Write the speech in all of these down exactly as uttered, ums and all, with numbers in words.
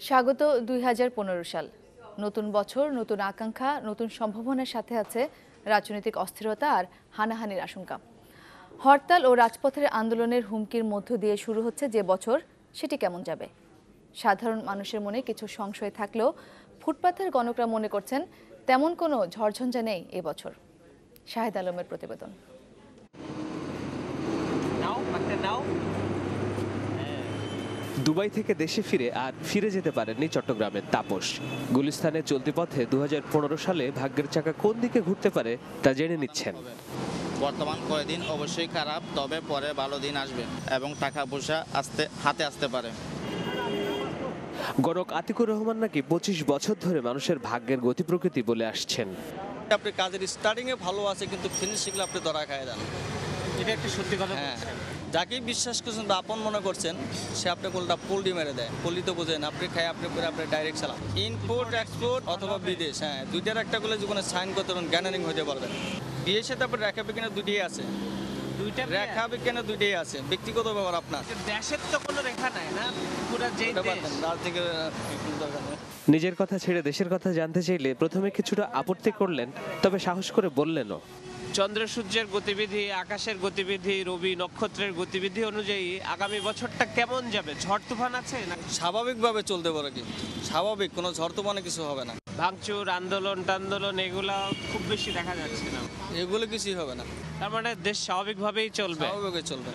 স্বাগত দুই হাজার পনেরো সাল। নতুন বছর, নতুন আকাঙ্ক্ষা, নতুন সম্ভাবনার সাথে আছে রাজনৈতিক অস্থিরতা আর হানাহানির আশঙ্কা। হরতাল ও রাজপথের আন্দোলনের হুমকির মধ্য দিয়ে শুরু হচ্ছে যে বছর, সেটি কেমন যাবে? সাধারণ মানুষের মনে কিছু সংশয় থাকলেও ফুটপাথের গণকরা মনে করছেন তেমন কোনো ঝড়ঝঞ্ঝা নেই এবছর। শাহেদ আলমের প্রতিবেদন। দুবাই থেকে দেশে ফিরে আর ফিরে যেতে পারেননি চট্টগ্রামের তাপস। গুলিস্তানের চলতি পথে দু হাজার পনেরো সালে ভাগ্যের চাকা কোন দিকে ঘুরতে পারে তা জেনে নিচ্ছেন। বর্তমান কয়েকদিন অবশ্যই খারাপ, তবে পরে ভালো দিন আসবে এবং টাকা পয়সা আসতে হাতে আসতে পারে। গণক আতিকুর রহমান নাকি পঁচিশ বছর ধরে মানুষের ভাগ্যের গতি প্রকৃতি বলে আসছেন। আপনি কাজের স্টার্টিং এ ভালো আছে, কিন্তু ফিনিশিংলে আপনি ধরা খায় দেন। এটা একটা সত্যি কথা। হ্যাঁ, যাকেই বিশ্বাস করছেন বা আপন মনে করছেন, সে আপনি কোনটা পোল্ডি মেরে দেয়। পোল্ডি তো বোঝেন, আপনি খাই আপনি করে আপনি ডাইরেক্ট চালান। ইনপুট এক্সপোর্ট অথবা বিদেশ, হ্যাঁ দুইটার একটা করলে জীবনে সাইন করতে পারবেন, গ্যানারিং হতে পারবেন। বিয়ের সাথে আপনার রেখা বিজ্ঞানে দুইটাই আছে, দুইটা রেখা বিজ্ঞানে দুইটাই আছে। ব্যক্তিগত ব্যাপার আপনার, দেশের তো কোনো রেখা নাই না, পুরো যেই দেশ রাত থেকে দরকার নেই। নিজের কথা ছেড়ে দেশের কথা জানতে চাইলে প্রথমে কিছুটা আপত্তি করলেন, তবে সাহস করে বললেনও। চন্দ্র সূর্যের গতিবিধি, আকাশের গতিবিধি, রবি নক্ষত্রের গতিবিধি অনুযায়ী আগামী বছরটা কেমন যাবে? ঝড় তুফান আছে না? স্বাভাবিকভাবে চলতে পারে, কি স্বাভাবিক, কোনো ঝড় তুফানে কিছু হবে না। ভাঙচুর, আন্দোলন টান্দোলন এগুলা খুব বেশি দেখা যাচ্ছে না, এগুলো কিছুই হবে না। তার মানে দেশ স্বাভাবিকভাবেই চলবে। স্বাভাবিকভাবে চলবে।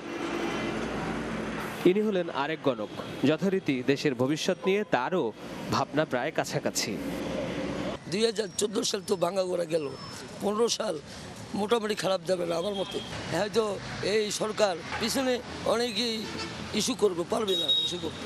ইনি হলেন আরেক গণক। যথারীতি দেশের ভবিষ্যৎ নিয়ে তারও ভাবনা প্রায় কাছাকাছি। দুই হাজার চোদ্দ সাল তো ভাঙা গোড়া গেল, পনেরো সাল মোটামুটি খারাপ যাবে না আমার মতে। হয়তো এই সরকার পিছনে অনেকেই ইস্যু করবে, পারবে না ইস্যু করতে।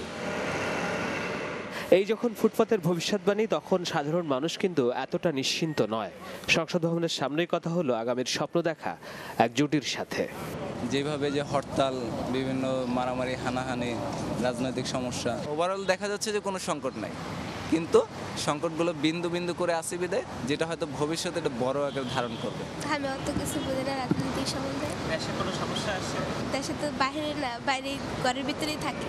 এই যখন ফুটপাতের ভবিষ্যৎবাণী, তখন সাধারণ মানুষ কিন্তু এতটা নিশ্চিন্ত নয়। সংসদ ভবনের সামনেই কথা হলো আগামীর স্বপ্ন দেখা এক জুটির সাথে। যেভাবে যে হরতাল, বিভিন্ন মারামারি, হানাহানি, রাজনৈতিক সমস্যা, ওভারঅল দেখা যাচ্ছে যে কোনো সংকট নাই, কিন্তু সংকটগুলো বিন্দু বিন্দু করে আসি বিদায়, যেটা হয়তো ভবিষ্যতে একটা বড় আকার ধারণ করবে। আমি অত কিছু বুঝি না রাজনৈতিক সম্বন্ধে। দেশে কোনো সমস্যা আছে? দেশে তো বাইরে না, বাইরে ঘরের ভিতরেই থাকি।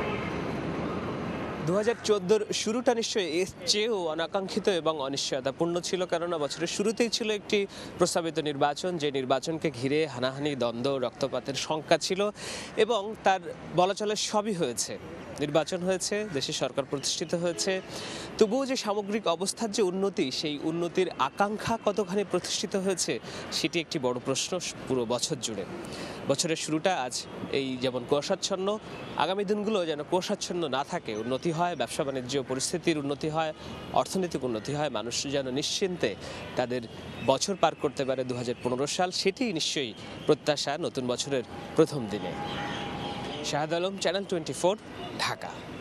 দু হাজার চোদ্দোর শুরুটা নিশ্চয়ই এর চেয়েও অনাকাঙ্ক্ষিত এবং অনিশ্চয়তাপূর্ণ ছিল, কেননা বছরের শুরুতেই ছিল একটি প্রস্তাবিত নির্বাচন, যে নির্বাচনকে ঘিরে হানাহানি, দ্বন্দ্ব, রক্তপাতের শঙ্কা ছিল এবং তার বলা চলে সবই হয়েছে। নির্বাচন হয়েছে, দেশে সরকার প্রতিষ্ঠিত হয়েছে, তবুও যে সামগ্রিক অবস্থার যে উন্নতি, সেই উন্নতির আকাঙ্ক্ষা কতখানি প্রতিষ্ঠিত হয়েছে সেটি একটি বড় প্রশ্ন পুরো বছর জুড়ে। বছরের শুরুটা আজ এই যেমন কুয়াশাচ্ছন্ন, আগামী দিনগুলো যেন কুয়াশাচ্ছন্ন না থাকে, উন্নতি হয়, ব্যবসা বাণিজ্য পরিস্থিতির উন্নতি হয়, অর্থনৈতিক উন্নতি হয়, মানুষ যেন নিশ্চিন্তে তাদের বছর পার করতে পারে দু হাজার পনেরো সাল, সেটি নিশ্চয়ই প্রত্যাশা নতুন বছরের প্রথম দিনে। Shahed Alam, channel twenty four, Dhaka.